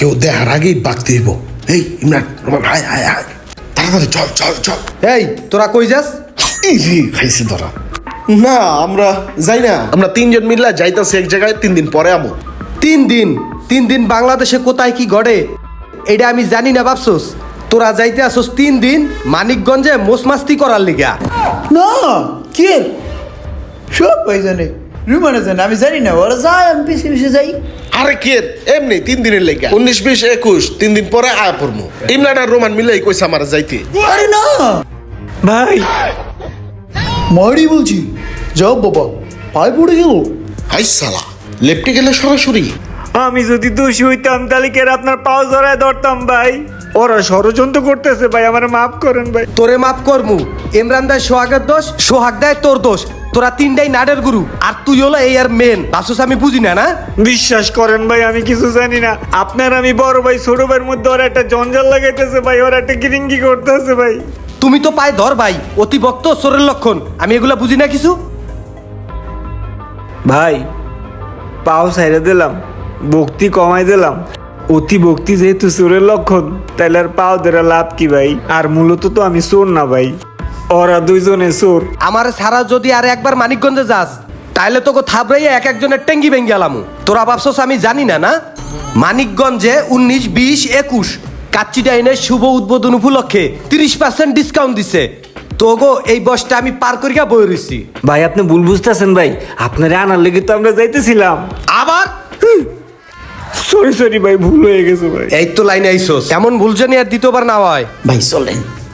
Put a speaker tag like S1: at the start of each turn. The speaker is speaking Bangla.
S1: কেউ দেখার আগেই বাগতে দিব। এই ইমরান রোমান হায় হায় হায়, তাড়াতাড়ি চল চল চল।
S2: এই তোরা কই যাস?
S1: ইজি খাইছে ধরা। না আমরা যাই না, আমরা তিনজন মিললা যাইতাছি এক জায়গায়, 3 দিন পরে আমো।
S2: 3 দিন বাংলাদেশে কোথায় কি ঘটে এটা আমি জানি না ভাবছোস? তোরা যাইতে আসোস 3 দিন মানিকগঞ্জে মোসমাস্তি করার লিগা।
S3: না কে সব ভাই জানে, রুমানে জানে, আমি জানি না, ওরা যায় আমি পিছিয়ে পিছিয়ে যাই।
S1: আরে কে এমনি 3 দিনের লেগে 19, 20, 21 3 দিন পরে আয়া পড়মু। ইমরান আর রোমান মিলাই কইছে আমার যাইতে।
S3: আরে না
S4: ভাই
S3: মারি বলছি, যাও বাবা, পায়ে পড়ে গেল।
S1: হাই সালা, লেপটে গেলে সরাসরি।
S4: আমি যদি দোষী হইতাম তাহলে কে আপনার পাও জড়ায় ধরতাম ভাই। ওরা ষড়যন্ত্র করতেছে ভাই, আমার মাফ করেন ভাই।
S2: তোরে মাফ করমু। ইমরান দেয় সোহাগের দোষ, সোহাগ দেয় তোর দোষ। তোরা 3টাই নাডের গুরু, আর তুই হলো এই আর মেন। ভাবছোস আমি বুঝি না? না
S4: বিশ্বাস করেন ভাই, আমি কিছু জানি না। আপনার আমি বড় ভাই ছোট ভাইয়ের মধ্যে ওরা একটা জঞ্জাল লাগাইতেছে ভাই, ওরা একটা গিরিঙ্গি করতেছে ভাই।
S2: তুমি তো পায় ধর ভাই, অতি ভক্ত চোরের লক্ষণ। আমি এগুলা বুঝি না কিছু।
S4: ভাই পাও সাইরে দিলাম, ভক্তি কমাই দিলাম। অতি ভক্তি যেহেতু চোরের লক্ষণ, তাইলে আর পাও ধরে লাভ কি ভাই? আর মূলত তো আমি চোর না ভাই, ওরা দুইজনে চোর।
S2: আমার সারা যদি আর একবার মানিকগঞ্জে যাস, তাইলে তোকে থাবড়াইয়া এক একজনের টেঙ্গি ভেঙ্গে আলামু। তোরা ভাবছোস আমি জানি না? না মানিকগঞ্জে 19, 20, 21 কাচ্চি ডাইনের শুভ উদ্বোধন উপলক্ষে 30% ডিসকাউন্ট দিছে। তোগো এই বসটা আমি পার করিয়া বই রইছি।
S4: ভাই আপনি ভুল বুঝতেছেন ভাই, আপনার আনার লেগে তো আমরা যাইতেছিলাম।
S2: আবার
S4: সরি সরি ভাই, ভুল হয়ে গেছে ভাই।
S2: এই তো লাইনে আইসোস, এমন ভুল জানি আর দ্বিতীয়বার না হয়।
S3: ভাই চলেন।